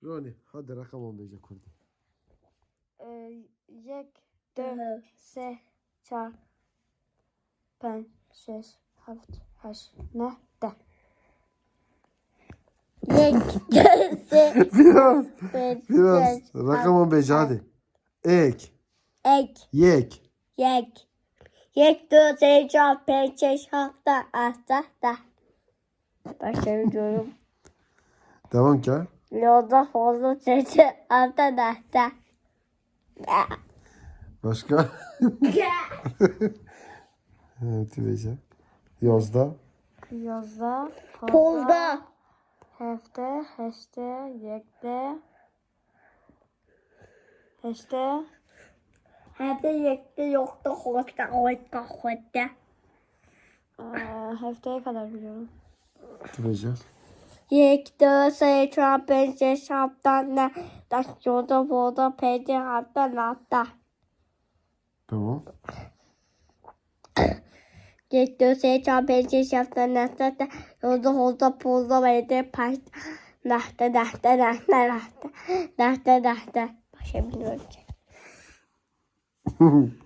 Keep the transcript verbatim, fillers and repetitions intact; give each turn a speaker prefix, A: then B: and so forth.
A: Roni hadi rakam on beşe kurdu.
B: یک دو سه چهار پنج شش هفت هشت نه ده یک دو سه
A: Biraz.
B: beş
A: Biraz.
B: şeş,
A: Rakam on beş hadi. Ek.
B: ek
A: Yek.
B: yek یک دو سه چهار پنج شش هفت هشت ده başlıyorum.
A: Devam ki. ha.
B: Yolda fazla sesi altı da
A: Başka? Evet Beşe. Yozda.
B: Yolda
C: Polda.
B: Hefte, heşte, yekte, heşte,
C: Hadi yekte yoktu hoşta hoşta hoşta.
B: eee, hefteye kadar biliyorum.
A: Beşe.
B: یک دو سه چهار پنج شش هفت نه ده یازده پانزده پنجاه هفتاد نود
A: Tamam.
B: یک دو سه چهار پنج شش هفت نه ده یازده پانزده پنجاه پنجاه پنجاه ده ده ده ده ده ده ده ده ده ده Başa biliyorum ki.